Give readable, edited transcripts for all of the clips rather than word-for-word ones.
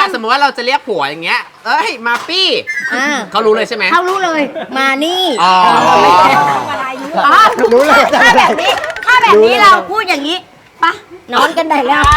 สมมติว่าเราจะเรียกผัวอย่างเงี้ยเอ้ยมาปี้เขารู้เลยใช่ไหมเขารู้เลยมานี่รู้เลยถ้าแบบนี้เราพูดอย่างนี้ปะนอนกันได้แล้ว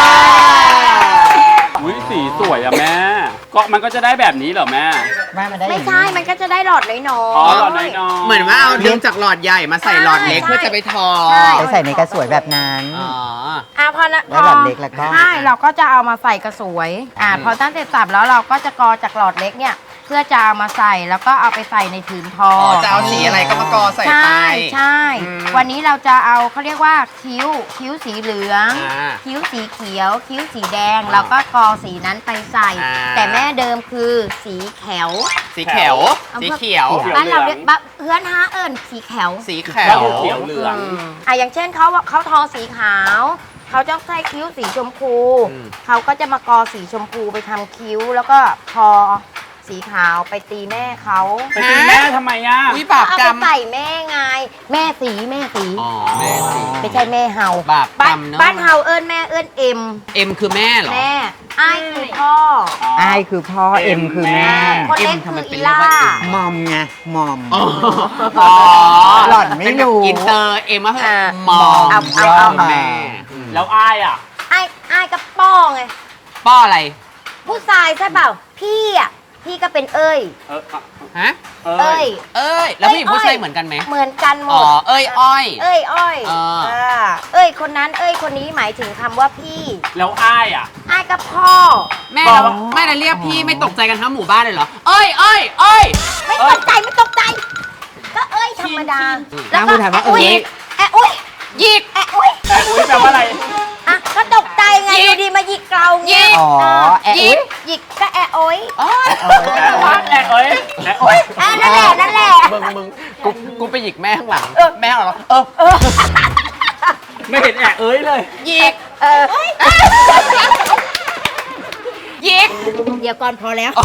อุ้ยสีสวยอะแม่ก็มันก็จะได้แบบนี้เหรอแม่ไม่ใช่มันก็จะได้หลอดน้อยๆอ๋อหลอดน้อยๆเหมือนว่าเอาดึงจากหลอดใหญ่มาใส่หลอดเล็กเพื่อจะไปทอไปใส่ในกระสวยแบบนั้นพอนะแล้วหลอดเล็กแล้วก็ใช่เราก็จะเอามาใส่กระสวยพอตั้งเสร็จสับแล้วเราก็จะกอจากหลอดเล็กเนี่ยเพื่อจะเอามาใส่แล้วก็เอาไปใส่ในผืนทอจะเอาสีอะไรก็มากอใส่ไปใช่วันนี้เราจะเอาเขาเรียกว่าคิ้วสีเหลืองคิ้วสีเขียวคิ้วสีแดงแล้วก็กอสีนั้นไปใส่แต่แม่เดิมคือสีเขียวบ้านเราเรียกเพื่อนฮะเอิญสีเขียวเขียวเหลืองอย่างเช่นเขาทอสีขาวเขาจะใส่คิ้วสีชมพูเขาก็จะมากอสีชมพูไปทำคิ้วแล้วก็ทอสีขาวไปตีแม่เขาไปตีแม่ทำไมอ่ะวิบากกรรมเอาไปใส่แม่ไงแม่สีไม่ใช่แม่เฮาบาปกรรมเนาะบ้านเฮาเอิญแม่เอิญเอ็มคือแม่เหรอแม่ไอ้คือพ่อไอ้คือพ่อเอ็มคือแม่คนเล็กคืออีล่ามอมไงมอมหหล่อนไม่รู้อินเตอร์เอ็มก็คือมอมแม่แล้วอ้ายอ่ะไอ้กับป้อไงป้ออะไรผู้ชายใช่เปล่าพี่ก็เป็นเอ้ยฮะเอ้ยแล้วผู้หญิงผู้ชายเหมือนกันไหมเหมือนกันหมดเอ้ยอ้อยเอ้ยคนนั้นเอ้ยคนนี้หมายถึงคำว่าพี่แล้วอ้ายอ่ะอ้ายกับพ่อแม่ได้เรียกพี่ไม่ตกใจกันทั้งหมู่บ้านเลยเหรอเอ้ยไม่ตกใจก็เอ้ยธรรมดาแล้วก็ถามว่ายิกอุ้ยแปลว่าอะไรก็ตกใจไงอยู่ดีมาหยิกเราเงี้ยหยิกก็โอ้ยนั่นแหละมึงกูไปหยิกแม่ข้างหลังแม่เหรอไม่เห็นเลยหยิกเดี๋ยวก่อนพอแล้ว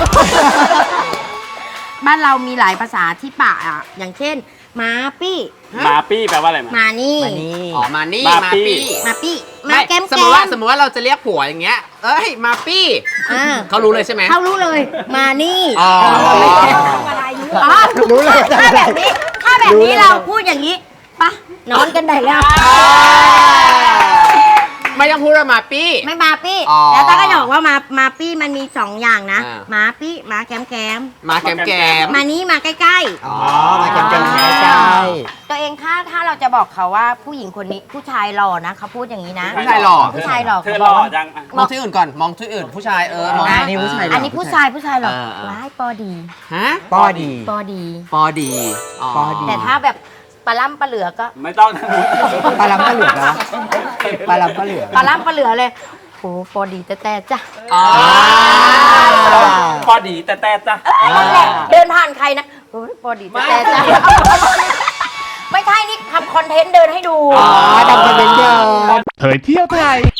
บ้านเรามีหลายภาษาที่ปะอย่างเช่นมาปี้แปลว่าอะไรมานี่มานี่มาปี้มาแก้มสมมติว่าเราจะเรียกผัวอย่างเงี้ยเอ้ยมาปี้เขารู้เลยใช่ไหมเขารู้เลยมานี่รู้เลยถ้าแบบนี้เราพูดอย่างนี้ปะนอนกันได้แล้วไม่ต้องพูดว่ามาปี้ไม่มาปี้แล้วตาก็จะบอกว่ามาปี้มันมี2อย่างนะมาปี้มาแก้มมานี้มาใกล้มาแก้มใกล้ตัวเองถ้าเราจะบอกเขาว่าผู้หญิงคนนี้ผู้ชายหล่อนะเขาพูดอย่างนี้นะผู้ชายหล่อเธอหล่อจังมองที่อื่นก่อนมองที่อื่นผู้ชายมองนี่ผู้ชายอันนี้ผู้ชายหล่อว้ายปอดีฮะปอดีแต่ถ้าแบบปลาล่ำปลาเหลือก็ไม่ต้องปลาล้ำปลาเหลือนะปลาล้ำปลาเหลือเลยโอ้ปอดีแต่จ้ะปอดีแต่จ้ะเดินผ่านใครนะโอ้ปอดีแต่จ้ะไม่ใช่นี่ทำคอนเทนต์เดินให้ดูทำคอนเทนต์เดินเผยเที่ยวไทย